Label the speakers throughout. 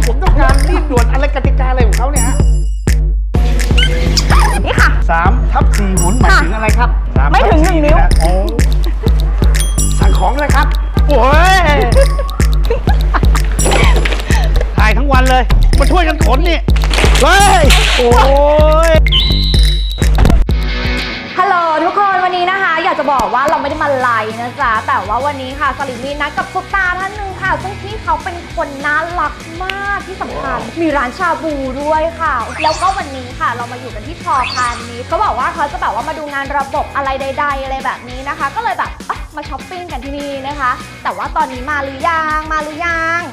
Speaker 1: ผมต้องการรีบด่วนอะไรกติกาอะไรของเขาเนี่ยฮะ
Speaker 2: นี่ค่ะ
Speaker 1: 3/4 หมุนหมายถึงอะไรครับ
Speaker 2: ไม่ถึง1 นิ้ว
Speaker 1: โอ้สั่งของเลยครับโอ้ยถ่ายทั้งวันเลยมาช่วยกันขนนี่เฮ้ยโอ้ย
Speaker 2: ฮัลโหลทุกคนวันนี้นะคะอยากจะบอกว่าเราไม่ได้มาไลฟ์นะจ๊ะแต่ว่าวันนี้ค่ะสลิมมีนัดกับซุปตาท่านหนึ่งค่ะซึ่งพี่เขาเป็นคนน่ารักมากที่สำคัญมีร้านชาบูด้วยค่ะแล้วก็วันนี้ค่ะเรามาอยู่กันที่พอพาณิชย์เขาบอกว่าเขาจะแบบว่ามาดูงานระบบอะไรใดๆอะไรแบบนี้นะคะก็เลยแบบมาช้อปปิ้งกันที่นี่นะคะแต่ว่าตอนนี้มาหรือยัง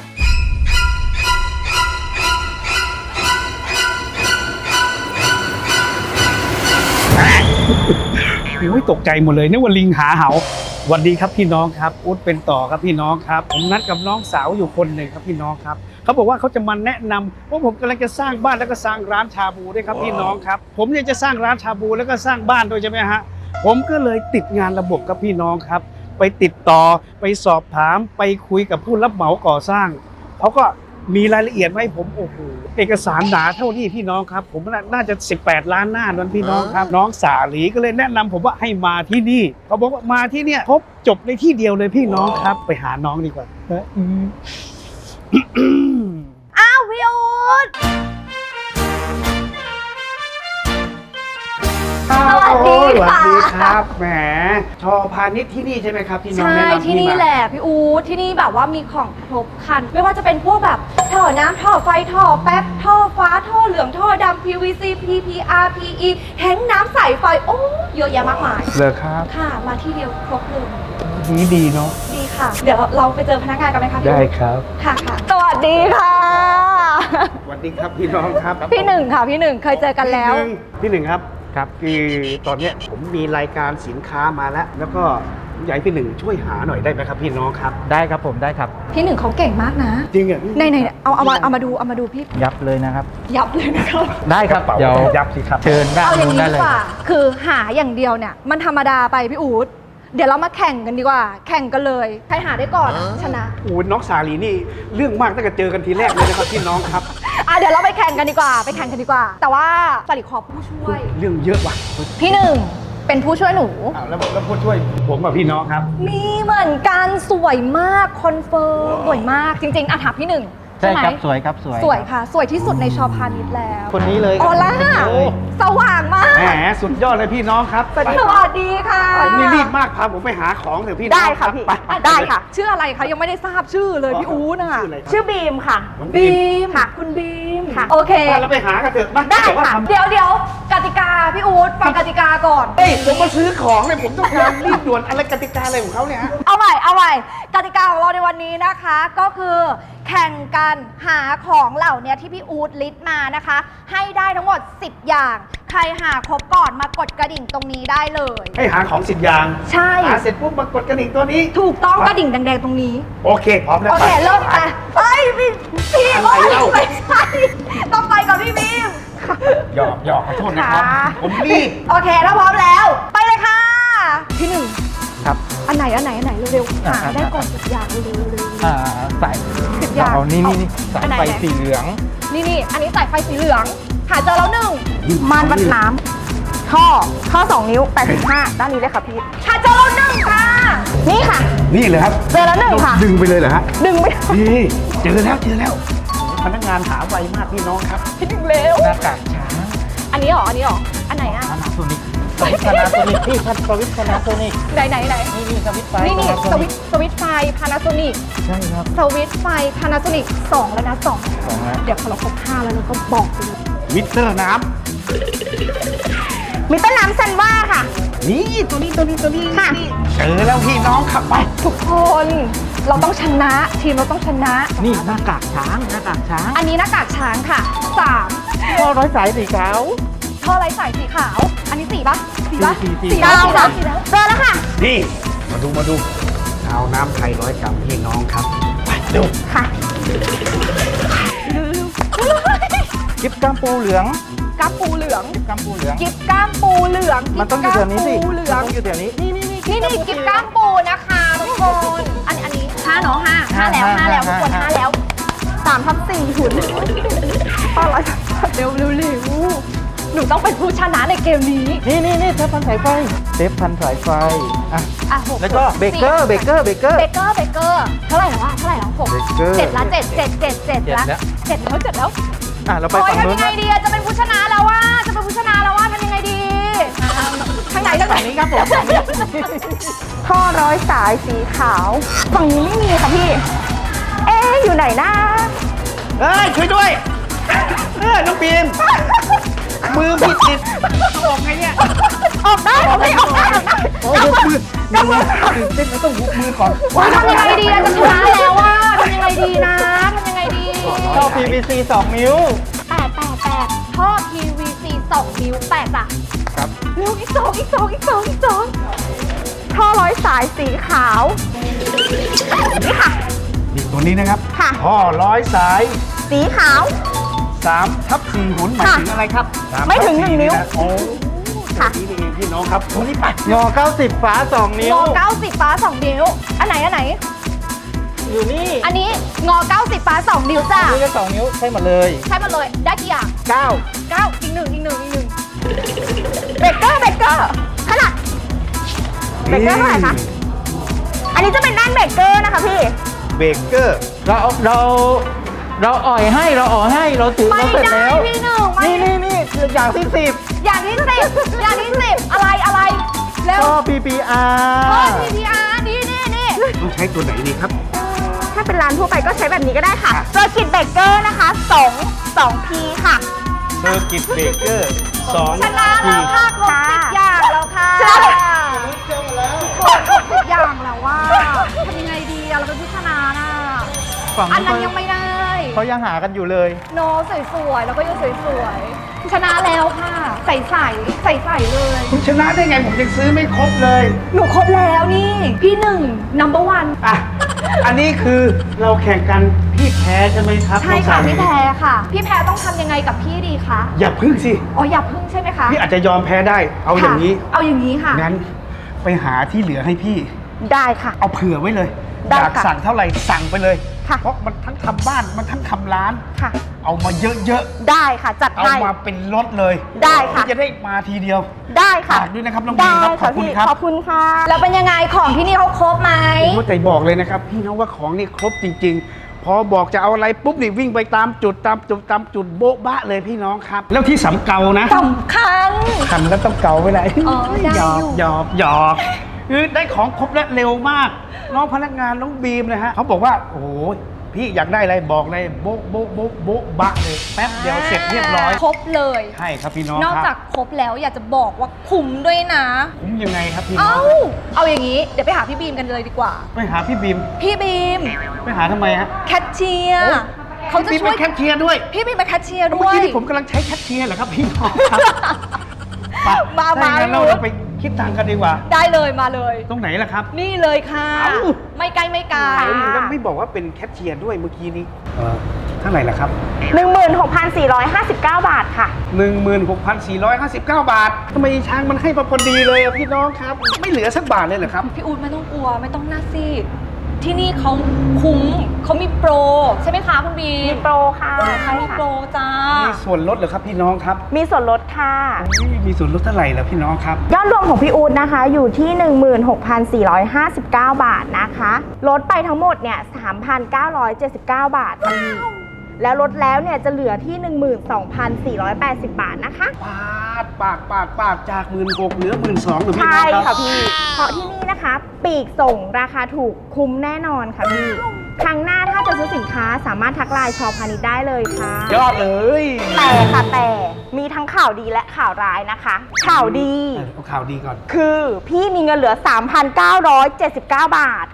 Speaker 1: โอ้ยตกใจหมดเลยนึกว่าลิงหาเหาสวัสดีครับพี่น้องครับอุ๊ดเป็นต่อครับพี่น้องครับผมนัดกับน้องสาวอยู่คนหนึ่งครับพี่น้องครับเขาบอกว่าเขาจะมาแนะนำว่าผมกำลังจะสร้างบ้านแล้วก็สร้างร้านชาบูด้วยครับพี่น้องครับผมเนี่ยจะสร้างร้านชาบูแล้วก็สร้างบ้านด้วยใช่ไหมฮะผมก็เลยติดงานระบบครับพี่น้องครับไปติดต่อไปสอบถามไปคุยกับผู้รับเหมาก่อสร้างเขาก็มีรายละเอียดไว้ผมโอ้โหเอกสารหนาเท่านี้พี่น้องครับผมน่าจะ18 ล้านหน้านั้นพี่น้องครับน้องสาลีก็เลยแนะนำผมว่าให้มาที่นี่เขาบอกว่ามาที่เนี่ยครบจบในที่เดียวเลยพี่น้องครับไปหาน้องดีกว่า
Speaker 2: อ้าวพี่อู๊ดสวัสดีค่ะ
Speaker 1: สวัสดีครับแหมชอพาณิชย์ที่นี่ใช่ไหมครับที่น้อง
Speaker 2: ใช่
Speaker 1: แนะนำ
Speaker 2: ที่นี่แหละพี่อู๊ดที่นี่แบบว่ามีของครบครันไม่ว่าจะเป็นพวกแบบท่อน้ำท่อไฟท่อแป๊บท่อฟ้าท่อเหลืองท่อดำ PVC PPR PE แท้งน้ำใสไฟโอ้เยอะแยะมากมาย
Speaker 1: เลยครับ
Speaker 2: ค่ะมาที่เดียวครบเลย
Speaker 1: ดีเนาะ
Speaker 2: ดีค่ะ เดี๋ยวเราไปเจอพนักงานกันไหมคะพี่
Speaker 1: ได้
Speaker 2: อู๊ด
Speaker 1: ครับ
Speaker 2: ค่ะสวัสดีค่ะ
Speaker 1: สวัสดีครับพี่น้องครับ
Speaker 2: พี่หนึ่งค่ะพี่หนึ่งเคยเจอกันแล้ว
Speaker 1: พี่หนึ่งครับคือตอนเนี้ยผมมีรายการสินค้ามาแล้วก็อยากให้พี่หนึ่งช่วยหาหน่อยได้ไหมครับพี่น้องครับ
Speaker 3: ได้ครับผมได้ครับ
Speaker 2: พี่หนึ่งเขาเก่งมากนะ
Speaker 1: จริงอ่ะ
Speaker 2: ไหนเอามาดูพี่
Speaker 3: ยับเลยนะครับ
Speaker 2: ยับเลยนะครับ
Speaker 3: ได้ครับ
Speaker 1: เป๋า
Speaker 3: เดี๋ยว
Speaker 1: ยับสิครับ
Speaker 3: เชิญด้าน
Speaker 2: เอาอย่าง
Speaker 3: นู้น
Speaker 2: นี้
Speaker 3: ได้
Speaker 2: ดี
Speaker 3: เลย
Speaker 2: กว่า คือหาอย่างเดียวเนี่ยมันธรรมดาไปพี่อู๊ดเดี๋ยวเรามาแข่งกันดีกว่า แข่งกันเลย ใครหาได้ก่อนชนะ
Speaker 1: โอ้น้องสาลีนี่เรื่องมากตั้งแต่เจอกันทีแรกเลยนะครับพี่น้องครับ
Speaker 2: เดี๋ยวเราไปแข่งกันดีกว่า แต่ว่าสลิดขอผู้ช่วย
Speaker 1: เรื่องเยอะว่ะ
Speaker 2: พี่หนึ่งเป็นผู้ช่วยหนู
Speaker 1: อ้าวแล้วผู้ช่วยผมกับพี่น้องครับ
Speaker 2: มีเหมือนกันสวยมากคอนเฟิร์มสวยมากจริงๆถามพี่หนึ่ง
Speaker 3: ใช่
Speaker 2: ไหม
Speaker 3: ครับสวยครับสวย
Speaker 2: สวยค่ะ สวยที่สุดในชอพาณิชย์แล้ว
Speaker 3: คนนี้เลย
Speaker 2: ออล่า
Speaker 3: เลย
Speaker 2: สว่างมาก
Speaker 1: แหมสุดยอดเลยพี่น้องครับ
Speaker 2: สวัสดีค่ะ
Speaker 1: นี่รีบมากพาผมไปหาของเถอะพี่น้อง
Speaker 4: ได้ค่ะพี่
Speaker 1: ไป
Speaker 4: ได้ค่ะ
Speaker 2: ชื่ออะไรคะยังไม่ได้ทราบชื่อเลยพี่อู๊ดน่ะ
Speaker 1: ชื่ออะไรครับ
Speaker 4: ชื่อบีมค่ะ
Speaker 1: น้อง
Speaker 2: บีม
Speaker 4: ค่ะ
Speaker 2: คุณบีม
Speaker 4: ค่ะ
Speaker 2: โอเค
Speaker 1: ไปเราไปหากันเถอะมา
Speaker 4: ได้
Speaker 1: แต่ว่า
Speaker 4: ค่ะ
Speaker 1: ทำ
Speaker 2: เดี๋ยวกติกาพี่อู๊ดฟังกติกาก่อน
Speaker 1: เฮ้ยผมมาซื้อของเนี่ยผมต้องการรีบด่วนอะไรกติกาอะไรของเขาเนี่ยฮะ
Speaker 2: เอาใหม่กติกาของเราในวันนี้นะคะ ก็คือแข่งกันหาของเหล่านี้ที่พี่อู๊ดลิสต์มานะคะ ให้ได้ทั้งหมด 10 อย่าง ใครหาครบก่อนมากดกระดิ่งตรงนี้ได้เลย
Speaker 1: ให้หาของ10 อย่าง
Speaker 2: ใช่
Speaker 1: หาเสร็จปุ๊บมากดกระดิ่งตัวนี้
Speaker 2: ถูกต้องกระดิ่งแดงๆตรงนี้
Speaker 1: โอเคพร้อมแล้ว
Speaker 2: โอเค เริ่มไปเฮ้ยพี่
Speaker 1: อะไรเล่า
Speaker 2: ไม่ใช่ต้องไปกับพี่บีม
Speaker 1: หยอกขอโทษนะครับ
Speaker 2: ค่ะ
Speaker 1: ผมรีบ
Speaker 2: โอเคถ้าพร้อมแล้ว ไปเลยค่ะ พี่หนึ่ง
Speaker 3: ครับ
Speaker 2: อันไหนเร็วๆหาได้ก่อน10 อย่างเร็ว
Speaker 3: สาย
Speaker 2: 10 อย่าง
Speaker 3: เอานี่สาย
Speaker 2: อันไหน
Speaker 3: ไฟสีเหลือง
Speaker 2: นี่อันนี้สายไฟสีเหลืองหาเจอแล้วหนึ่ง
Speaker 4: ม่านวัดน้ำท่อ2 นิ้ว 85 ด้านนี้เลยค่ะพี่
Speaker 2: หาเจอแล้วหนึ่งค่ะ
Speaker 4: นี่ค่ะ
Speaker 1: นี่เลยครับ
Speaker 4: เจอแล้ว1ค่ะ
Speaker 1: ดึงไปเลยเหรอฮะ
Speaker 4: ดึงไป
Speaker 1: นี่เจอแล้วพนักงานหาไวมากพี่น้องครับ
Speaker 2: พี่หนึ่งเร็ว
Speaker 3: หน้ากากช้าง
Speaker 2: อันนี้เหรอ อันไหนอ่ะ
Speaker 3: พานาโซนิกสวิตช์พานาโซนิกพี่ครับสวิตช์พานาโซนิก
Speaker 2: ไหน
Speaker 3: นี่สวิตช์ไฟ
Speaker 2: นี่
Speaker 3: Panasonic
Speaker 2: สวิตช์ไฟ Panasonic
Speaker 3: ใช่ครับ
Speaker 2: สวิตช์ไฟ Panasonic 2 แล้วนะ
Speaker 3: สองแล้ว
Speaker 2: 2 เดี๋ยวพอเราครบ5แล้วเราก็บอกไปเลย
Speaker 1: มิเตอร์น้
Speaker 4: มิเตอร์น้ำซันว่าค่ะ
Speaker 1: ำนี่ตัวนี้
Speaker 4: ค่ะ
Speaker 1: เจอแล้วพี่น้องครับไป
Speaker 2: ทุกคนเราต้องชนะทีมเราต้องชนะ
Speaker 3: นี่หน้ากากช้าง
Speaker 2: อันนี้หน้ากากช้างค่ะ 3
Speaker 3: ท่อร้อยสายสีขาว
Speaker 2: ท่อไร้สายสีขาว อันนี้4 ป่ะ4 ป่ะ
Speaker 3: สี่
Speaker 2: 4แล้ว
Speaker 4: ค่ะ
Speaker 2: 4แล้ว
Speaker 4: เจอแล้วค่ะ
Speaker 1: นี่มาดูเอาน้ำไทย100 กรัมพี่น้องครับไปเร็ว
Speaker 4: ค่ะ
Speaker 3: กิ๊บก้ามปูเหลือง
Speaker 2: กล้ามปูเหลือง
Speaker 3: ก้ามปูเหลือง
Speaker 2: กิ๊บกล้ามปูเหลือง
Speaker 3: มันต้องอยู่แถวนี้สิ
Speaker 2: กิ๊บกล้ามปูเหลือง
Speaker 3: มันต้องอยู่แถวนี้นี่
Speaker 2: นี่กิ๊บกล้ามปูนะคะทุกคน อันนี้5เนาะ5แล้วทุกคน5แล้ว
Speaker 4: 3/4 หุ่นท่อร้อยสายไฟ
Speaker 2: เร็วหนูต้องเป็นผู้ชนะในเกมนี้
Speaker 3: นี่เทปพันสายไฟเทปพันสายไฟอ่ะ
Speaker 2: อ่ะห
Speaker 3: แล้วก็เบเกอร์
Speaker 2: เบเกอร์เท่าไหร่แล้วหก
Speaker 3: เบเกอร์
Speaker 2: เจ็ดละเจ็ดละ
Speaker 3: แล้ว
Speaker 2: เจ็ดแล้ว
Speaker 3: อ่ะเราไป
Speaker 2: โอ้ย
Speaker 3: ฝั่งนู้
Speaker 2: ทำ
Speaker 3: น
Speaker 2: ยังไง
Speaker 3: นะ
Speaker 2: ดีอะจะเป็นผู้ชนะแล้วว่าทำยังไงดีทางไหน
Speaker 3: ฝั่งนี้ครับผมฝั่งนี้
Speaker 4: ท่อร้อยสายสีขาว ฝั่งนี้ไม่มีค่ะพี่ เอ๊ะอยู่ไหนนะ
Speaker 1: เอ้ยช่วยด้วยน้องบีมมือผิดติดออกไงเนี่ย
Speaker 4: ออกได้ออกได้ออกได้
Speaker 1: โอ้ยมือตื่นเต้นแล้วต้องหุบมือก่อน
Speaker 2: ทำยังไงดีอะจะชนะแล้วว่าทำยังไงดีนะทำยังไงดี
Speaker 3: ท่อ PVC 2 นิ้ว
Speaker 2: แปดท่อ PVC 2 นิ้วแปดจ้ะ
Speaker 3: ครับ
Speaker 2: เร็วอีกสอง
Speaker 4: ท่อร้อยสายสีขาว นี่ค่ะ
Speaker 1: นี่ตัวนี้นะครับ
Speaker 4: ค่ะ
Speaker 1: ท่อร้อยสาย
Speaker 4: สีขาว
Speaker 1: 3/4 หุ่นหมายถึงอะไรครับ
Speaker 4: ไม่ถึง
Speaker 1: 3/4
Speaker 4: 1 นิ้ว
Speaker 1: ะโอ้
Speaker 4: ค่ะ
Speaker 1: นี่เองพี่น้องครับตรงนี้ปัด
Speaker 3: งอ90ฝา2 นิ้ว
Speaker 2: งอ90ฟ้า2 นิ้วอันไหน
Speaker 3: อยู่นี่
Speaker 2: อันนี้งอ90ฟ้า2 นิ้วจ้ะ
Speaker 3: นี่ก็2 นิ้วใช่หมดเลย
Speaker 2: ใช่หมดเลยได้กี่อย่าง
Speaker 3: 9
Speaker 2: 9อีกหนึ่ง
Speaker 4: เบเกอร์ขนาดเบเกอร์เท่าไหร่คะ อันนี้จะเป็นด้านเบเกอร์นะคะพี่
Speaker 1: เบเกอร์
Speaker 3: เราอ่อยให้เราถือ
Speaker 2: ไม่
Speaker 3: เราเสร็จ
Speaker 2: ได้
Speaker 3: แล้ว
Speaker 2: พี่หนึ่งไม่
Speaker 3: นี่คืออย่างที่ 10
Speaker 2: อย่างที่10อะไรเร็ว
Speaker 3: ท่อ PPR
Speaker 2: ท่อ PPR นี่
Speaker 1: ต้องใช้ตัวไหนดีครับ
Speaker 4: ถ้าเป็นร้านทั่วไปก็ใช้แบบนี้ก็ได้ค่ะเซอร์กิตเบเกอร์นะคะ2 P ค่ะ
Speaker 1: เซอร์กิตเบเกอร์2
Speaker 2: ชนะแล้วค่ะครบ10 อย่างแล้วค่ะ
Speaker 4: ชนะแล้ว
Speaker 2: ครบ10 อย่างแล้วว่าทำยังไงดีอะเราเป็นผู้ชนะน่ะ
Speaker 3: ฝั่ง
Speaker 2: อันนั้น
Speaker 3: นี้
Speaker 2: ยังไม่ได้
Speaker 3: เขายังหากันอยู่เลย
Speaker 2: โนสวยๆแล้วก็ยังสวยๆชนะแล้วค่ะใส่เลย
Speaker 1: คุณชนะได้ไงผมยังซื้อไม่ครบเลย
Speaker 2: หนูครบแล้วนี่พี่หนึ่ง number one
Speaker 1: อ่ะ อันนี้คือเราแข่งกันพี่แพ้ใช่ไหมครับ
Speaker 2: ใช่ค่ะ
Speaker 1: น้องสาว
Speaker 2: พี่แพรค่ะ พี่แพรต้องทำยังไงกับพี่ดีคะ
Speaker 1: อย่าพึ่งสิ
Speaker 2: อ๋ออย่าพึ่งใช่ไหมคะ
Speaker 1: พี่อาจจะยอมแพ้ได้ เอาอย่างนี้
Speaker 2: ค่ะเอาอย่างนี้ค่ะ
Speaker 1: งั้นไปหาที่เหลือให้พี่
Speaker 4: ได้ค่ะ
Speaker 1: เอาเผื่อไว้เลย
Speaker 4: ได้
Speaker 1: อยาก
Speaker 4: ค่ะ
Speaker 1: สั่งเท่าไหร่สั่งไปเลย
Speaker 4: ค่ะ
Speaker 1: เพราะมันทั้งทำบ้านมันทั้งทำร้าน
Speaker 4: ค่ะ
Speaker 1: เอามาเยอะ
Speaker 4: ได้ค่ะจัด
Speaker 1: ๆ เอา
Speaker 4: ให้
Speaker 1: มาเป็นรถเลย
Speaker 4: ได้ค่ะ
Speaker 1: พี่จะได้มาทีเดียว
Speaker 4: ได้ค่ะ
Speaker 1: ฝากด้วยนะครับน้องบีมครับขอบคุณ
Speaker 4: พี่
Speaker 1: ครับ
Speaker 4: ขอบคุณค่ะ
Speaker 2: แล้วเป็นยังไงของที่นี่เขาครบไหม
Speaker 1: ผมแต่บอกเลยนะครับ พี่น้องว่าของนี่ครบจริง ๆ พอบอกจะเอาอะไรปุ๊บนี่วิ่งไปตามจุดโบ๊ะบะเลยพี่น้องครับ แล้วที่สำเกานะ
Speaker 2: สำคัญ
Speaker 1: ทำแล้วต้องเกาไปเลย
Speaker 2: อ๋อได้
Speaker 1: หยอก
Speaker 2: อยู่
Speaker 1: หยอกคือได้ของครบและเร็วมาก น้องพนักงานน้องบีมนะฮะเขาบอกว่าโอ้โหพี่อยากได้อะไรบอกเลยโบ๊ะโบ๊ะโบ๊ะโบ๊ะบะเลยแป๊บเดียวเสร็จเรียบร้อย
Speaker 2: ครบเลย
Speaker 1: ใช่ครับพี่น้อง
Speaker 2: นอก
Speaker 1: ครับ
Speaker 2: จากครบแล้วอยากจะบอกว่าคุ้มด้วยนะ
Speaker 1: ผมยังไงครับพี่น้อ
Speaker 2: เอ้าง เอาอย่างนี้เดี๋ยวไปหาพี่บีมกันเลยดีกว่า
Speaker 1: ไปหาพี่บีม
Speaker 2: พี่บีม
Speaker 1: ไปหาทำไมฮะ
Speaker 2: แคทเชียร์เขาจะ
Speaker 1: พี่บีม
Speaker 2: ช่วย
Speaker 1: เป็นแคชเชียร์ด้วย
Speaker 2: พี่บีมเป็นแคทเชียร์
Speaker 1: เมื่
Speaker 2: ด้
Speaker 1: อ
Speaker 2: วย
Speaker 1: กี้ที่ผมกำลังใช้แคชเชียร์เหรอครับพี่น้องครับ
Speaker 2: มา
Speaker 1: ถ้อย่างนั้น
Speaker 2: มา
Speaker 1: เราไปคิดตังค์กันดีกว่า
Speaker 2: ได้เลยมาเลย
Speaker 1: ตรงไหนล่ะครับ
Speaker 2: นี่เลยค่ะ
Speaker 1: เอ้า
Speaker 2: ไม่ไกลไม่ไกล
Speaker 1: แล้วไม่บอกว่าเป็นแคชเชียร์ด้วยเมื่อกี้นี้เท่าไหร่ล่ะครับ
Speaker 4: 16,459 บาทค่ะ
Speaker 1: 16,459 บาททำไมช้างมันให้มาพอดีเลยอะพี่น้องครับ ไม่เหลือสักบาทเลยเหรอครับ
Speaker 2: พี่อู๊ดไม่ต้องกลัวไม่ต้องหน้าซีดที่นี่เขาคุ้มเขามีโปร ใช่ไหมคะคุณบี
Speaker 4: มีโปรค่ะ
Speaker 2: เขามีโปรจ้า
Speaker 1: มีส่วนลดเหรอครับพี่น้องครับ
Speaker 4: มีส่วนลดค่ะ
Speaker 1: มีส่วนลดเท่าไหร่ล่ะพี่น้องครับ
Speaker 4: ยอดรวมของพี่อู๊ดนะคะอยู่ที่ 16,459 บาทนะคะลดไปทั้งหมดเนี่ย 3,979 บาทค่ะพี่แล้วลดแล้วเนี่ยจะเหลือที่ 12,480 บาทนะคะ
Speaker 1: ปาดจาก16,000เหลือ12,000หรือพี่น้
Speaker 4: ใช่
Speaker 1: องครับ
Speaker 4: ค่ะพี่ เพราะที่นี่นะคะปีกส่งราคาถูกคุ้มแน่นอนค่ะพี่ ครั้งหน้าถ้าจะซื้อสินค้าสามารถทักไลน์ชอพาณิชย์ได้เลยค่ะ
Speaker 1: ยอดเลย
Speaker 4: แต่มีทั้งข่าวดีและข่าวร้ายนะคะ ข่าวดี
Speaker 1: เอาข่าวดีก่อน
Speaker 4: คือพี่มีเงินเหลือ 3,979 บาท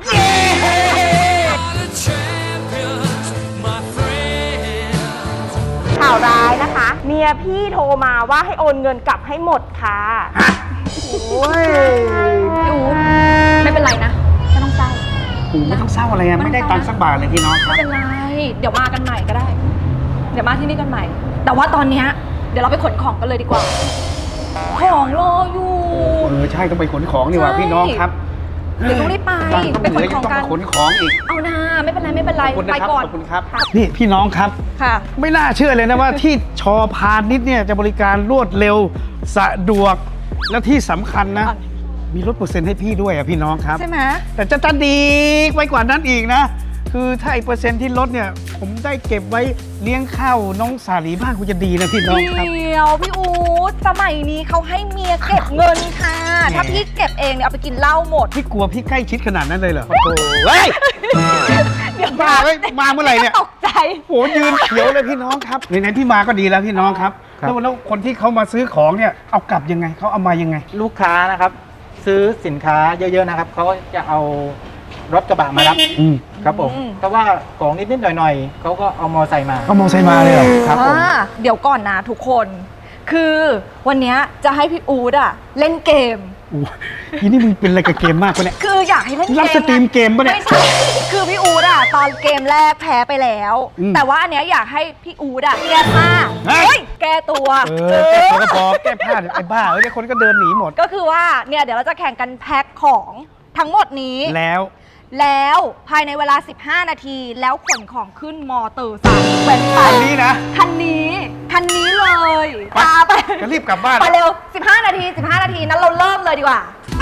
Speaker 4: ข่าวร้ายนะคะ เมียพี่โทรมาว่าให้โอนเงินกลับให้หมดค่ะ
Speaker 1: โอ้ย
Speaker 2: พี่อู๊ดไม่เป็นไรนะไม่ต้องเศร้า
Speaker 1: ผมไม่ต้องเศร้าอะไรอะไม่ได้ตังค์สักบาทเลยพี่น้องค
Speaker 2: ไม่
Speaker 1: รับ
Speaker 2: เป็นไรเดี๋ยวมากันใหม่ก็ได้ เดี๋ยวมาที่นี่กันใหม่ แต่ว่าตอนเนี้ยเดี๋ยวเราไปขนของกันเลยดีกว่า ของรออยู่
Speaker 1: ใช่ต้องไปขนของดีกว่า
Speaker 2: ใช่
Speaker 1: พี่น้องครับ
Speaker 2: เดี๋ยวต้องรีบไป
Speaker 1: ตังค์ต้องเหลือ
Speaker 2: ไปขนของกัน
Speaker 1: ยังต้องมาขนของอีก
Speaker 2: เอานาไม่เป็นไรไม่เป็นไร
Speaker 1: ขอบคุณนะ
Speaker 2: ไป
Speaker 1: ครับ
Speaker 2: ก่อน
Speaker 1: ขอบคุณครับนี่พี่น้องครับ
Speaker 2: ค่ะ
Speaker 1: ไม่น่าเชื่อเลยนะว่า ที่ชอพาณิชย์เนี่ยจะบริการรวดเร็วสะดวกและที่สำคัญนะ มีลดเปอร์เซ็นต์ให้พี่ด้วยพี่น้องครับ
Speaker 2: ใช่ไหม
Speaker 1: แต่จะดีไปกว่านั้นอีกนะ คือถ้าไอ้เปอร์เซ็นต์ที่ลดเนี่ย ผมได้เก็บไว้เลี้ยงข้าวน้องสาลีบ้างคุณจะดีนะพี่น้องครับ
Speaker 2: เดี๋ยวพี่อู๊ดสมัยนี้เขาให้เมียเก็บเงินค่ะ
Speaker 1: แหม
Speaker 2: ถ้าพี่เก็บเองเนี่ยเอาไปกินเหล้าหมด
Speaker 1: พี่กลัวพี่ใกล้ชิดขนาดนั้นเลยเหรอโอ้โหเฮ้ย
Speaker 2: เดี๋ยว
Speaker 1: บ้าเว้ยมาเมื่อไหร่เนี่ย
Speaker 2: ตกใจ
Speaker 1: โหยืนเขียวเลยพี่น้องครับไหนๆพี่มาก็ดีแล้วพี่น้องครับ
Speaker 3: ครับ
Speaker 1: แล้วคนที่เขามาซื้อของเนี่ยเอากลับยังไงเขาเอามายังไง
Speaker 3: ลูกค้านะครับ ซื้อสินค้าเยอะๆนะครับเขาจะเอารถกระบะมารับ
Speaker 1: อืม
Speaker 3: ครับผม
Speaker 2: อืม
Speaker 3: เพราะว่าของนิดๆหน่อยๆเขาก็เอามอไซค์มา
Speaker 1: เขามองใส่มาเลยเหรอ
Speaker 3: ครับผม
Speaker 2: เดี๋ยวก่อนนะทุกคน คือวันเนี้ยจะให้พี่อู๊ดอะเล่นเกม
Speaker 1: โอ้ทีนี่มึงเป็นอะไรกับเกมมากปะเนี่ย
Speaker 2: คืออยากให้เล่นเกม
Speaker 1: รับสตรีมเกมปะเนี่ย
Speaker 2: ไม่ใช่คือพี่อู๊ดอะตอนเกมแรกแพ้ไปแล้ว
Speaker 1: อืม
Speaker 2: แต่ว่าอันเนี้ยอยากให้พี่อู๊ดอะแก้ผ้า
Speaker 1: เฮ้ย
Speaker 2: เฮ้ยแก้ตัว
Speaker 1: แก้ตัวก็พอแก้ผ้าไอ้บ้าเดี๋ยวคนก็เดินหนีหมด
Speaker 2: ก็คือว่าเนี่ยเดี๋ยวเราจะแข่งกันแพ็คของทั้งหมดนี้ แล้วภายในเวลา 15 นาทีแล้วขนของขึ้นมอเตอร์ไซค์แว้นไป
Speaker 1: คันนี้นะ
Speaker 2: คันนี้เลย
Speaker 1: ไป
Speaker 2: พาไป
Speaker 1: จะรีบกลับบ้าน
Speaker 2: ไปเร็ว 15 นาทีนั้นเราเริ่มเลยดีกว่า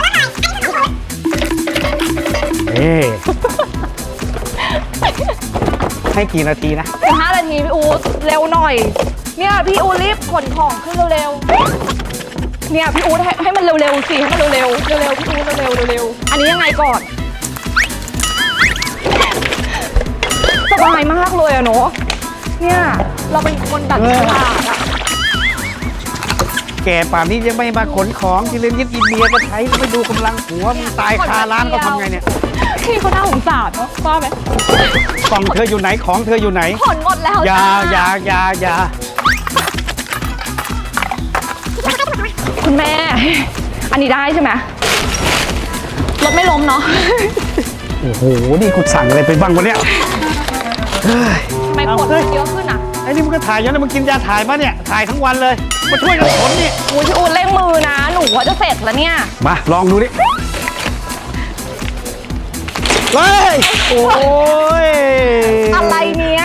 Speaker 1: เอ๊ะให้กี่นาทีนะ
Speaker 2: 15 นาทีพี่อู๊ดเร็วหน่อย เนี่ยพี่อู๊ดรีบขนของขึ้นเร็วๆเนี่ยพี่อู๊ดให้มันเร็วๆสิให้มันเร็วๆพี่อู๊ดเร็วๆอันนี้ยังไงก่อนสบายมากเลยอะเนาะเนี่ยเราเป็นคนดัดฉลาดอะ
Speaker 1: แก่ป่านนี้ยังไม่มาขนของที่เล่นยึดอินเดียก็ใช้ไม่ดูกำลังหัวมึงตายคาร้านก็ทำไงเนี่ย
Speaker 2: พี่เขาน่าสงสารเนาะว่าไหม
Speaker 1: กล่องเธออยู่ไหนของเธออยู่ไหน
Speaker 2: ขนหมดแล้ว
Speaker 1: อย่า
Speaker 2: จ้า
Speaker 1: อย่า
Speaker 2: คุณแม่ อันนี้ได้ใช่ไหมรถไม่ล้มเนาะ
Speaker 1: โอ้โหนี่กูสั่งอะไรไปบ้างวะเนี่ยเฮ้ย
Speaker 2: ทำไมขนมันเยอะขึ้นอ่ะ
Speaker 1: ไอ้นี่มึงก็ถ่ายยังไงมึงกินยาถ่ายปะเนี่ยถ่ายทั้งวันเลยมาช่วยกันขนนี่
Speaker 2: โอ้ยพี่อู๊ดเร่งมือนะ หนูว่าจะเสร็จแล้วเนี่ย
Speaker 1: มาลองดูดิเฮ้ยโอ้ย
Speaker 2: อะไรเนี่ย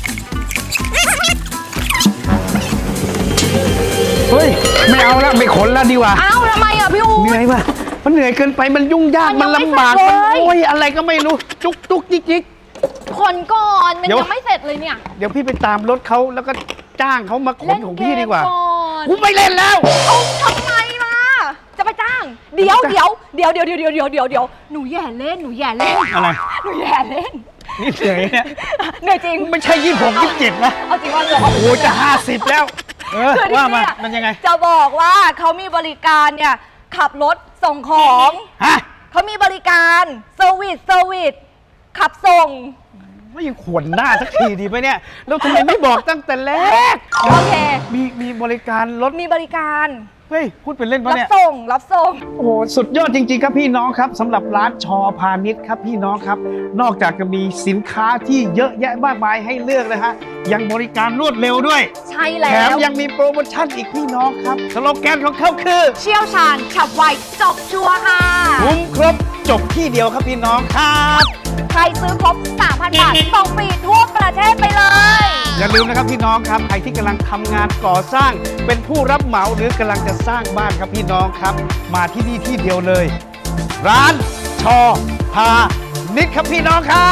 Speaker 1: เฮ้ยไม่เอาละไม่ขนแล้วดีกว่า
Speaker 2: อ้าวทำไมอ่ะพี่อู๊
Speaker 1: เหนื่
Speaker 2: ด
Speaker 1: อยป่ะมันเหนื่อยเกินไปมันยุ่งยาก
Speaker 2: มั
Speaker 1: มัน
Speaker 2: นยังไม่
Speaker 1: ลำบาก
Speaker 2: เสร็
Speaker 1: มัน
Speaker 2: จเลย
Speaker 1: โอ้ยอะไรก็ไม่รู้จุกจุกจิกจิก
Speaker 2: ขนก่อนมัน
Speaker 1: เดี๋ยว
Speaker 2: ยังไม่เสร็จเลยเนี่ย
Speaker 1: เดี๋ยวพี่ไปตามรถเขาแล้วก็จ้างเขามาขนของพี่ดีกว่า
Speaker 2: เล่นเมก่อน
Speaker 1: กูไม่เล่นแล้ว
Speaker 2: เอาทำไมล่ะ จะไปจ้าง เดี๋ยวหนูแย่เล่น
Speaker 1: อะไร
Speaker 2: หนูแย่เล่น
Speaker 1: นี่เหนื่อยเนี่ย
Speaker 2: เหนื่อยจริง
Speaker 1: ไม่ใช่26 27นะ
Speaker 2: เอาจริงว่าเหนื่อย
Speaker 1: โอ้จะ50แล้วเออ
Speaker 2: คือที่
Speaker 1: ว่ามา
Speaker 2: เนี่ย
Speaker 1: มันยังไง
Speaker 2: จะบอกว่าเขามีบริการเนี่ยขับรถส่งของ
Speaker 1: ฮะ
Speaker 2: เขามีบริการเซอร์วิสขับส่ง
Speaker 1: ไม่ยังขวนหน้าสักทีดีไหมเนี่ยแล้วทำไมไม่บอกตั้งแต่แรก
Speaker 2: โอเค
Speaker 1: มีบริการรถ
Speaker 2: มีบริการ
Speaker 1: เฮ้ยพูดเป็นเล่นปะ
Speaker 2: รับ
Speaker 1: เนี่ย
Speaker 2: ส่ง
Speaker 1: โอ้โหสุดยอดจริงๆครับพี่น้องครับสำหรับร้านชอพาณิชย์ครับพี่น้องครับ นอกจากจะมีสินค้าที่เยอะแยะมากมายให้เลือกนะฮะยังบริการรวดเร็วด้วย
Speaker 2: ใช่แล้
Speaker 1: แถม
Speaker 2: ว
Speaker 1: ยังมีโปรโมชั่นอีกพี่น้องครับสโลแกนของเขาคือ
Speaker 2: เชี่ยวชาญฉับไวจบชัวร์ค่ะ
Speaker 1: คุ้มครบจบที่เดียวครับพี่น้องครับ
Speaker 2: ใครซื้อครบ 3,000 บาทส่งฟรีทั่วประเทศไปเลย
Speaker 1: อย่าลืมนะครับพี่น้องครับใครที่กำลังทำงานก่อสร้าง เป็นผู้รับเหมาหรือกำลังจะสร้างบ้านครับพี่น้องครับ มาที่นี่ที่เดียวเลย ร้านชอพาณิชย์ครับพี่น้องครับ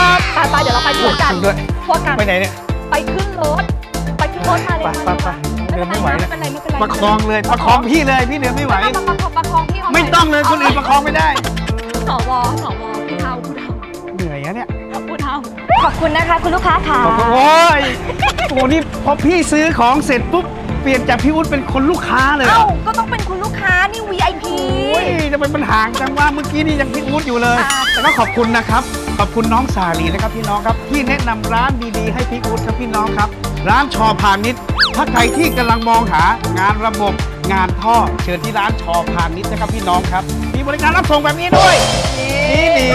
Speaker 2: ไปเดี๋ยวเราไปทั่วกัน
Speaker 1: ด้วย
Speaker 2: ทั่วกัน
Speaker 1: ไปไหนเนี่ย
Speaker 2: ไปขึ้นรถมาเลย
Speaker 1: ไปเดินไม่ไหว
Speaker 2: ไม่
Speaker 1: แล้ว
Speaker 2: เป็นไร
Speaker 1: ประคองเลยประคองพี่เลยพี่เดินไม่ไหว
Speaker 2: ประคองพี่เขา
Speaker 1: ไม่ต้องเลยคนอื่นประคองไม่ได้
Speaker 2: สวผู้เฒ่า
Speaker 1: เหนื่อยอะเนี่ย
Speaker 2: ผู้เฒ่าขอบคุณนะคะคุณลูกค้าค่ะ
Speaker 1: โอ้ยโอ้นี่พอพี่ซื้อของเสร็จปุ๊บเปลี่ยนจากพี่อุ๊ดเป็นคนลูกค้าเลยเหร
Speaker 2: เอ้า
Speaker 1: อ
Speaker 2: ก็ต้องเป็นคุณลูกค้านี่ VIP
Speaker 1: โอ้ยทำไมมันห่างจังว่าเมื่อกี้นี่ยังพี่อุ๊ดอยู่เลย
Speaker 2: ค่ะ
Speaker 1: แต่ก็ขอบคุณนะครับ ขอบคุณน้องสาลีนะครับพี่น้องครับที่แนะนำร้านดีๆให้พี่อุ๊ดครับพี่น้องครับ ร้านชอพาณิชย์ถ้าใครที่กำลังมองหางานระบบงานท่อเชิญที่ร้านชอพาณิชย์นะครับพี่น้องครับ มีบริการรับส่งแบบนี้ด้วยดี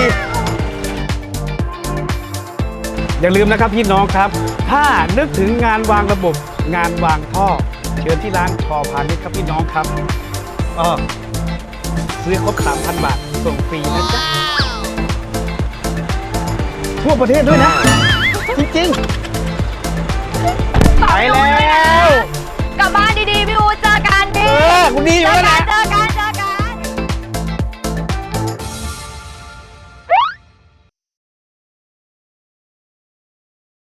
Speaker 1: อย่าลืมนะครับพี่น้องครับ ถ้านึกถึงงานวางระบบงานวางท่อ เชิญที่ร้านชอพาณิชย์ครับพี่น้องครับซื้อครบ 3,000 บาทส่งฟรีนะจ๊ะทั่วประเทศด้วยนะ จริงๆ ไปแล้ว
Speaker 2: กลับบ้านดีๆ พี่อู๋เจอกันพี่
Speaker 1: คุณดีอยู่แล้วนะ
Speaker 2: เจอกัน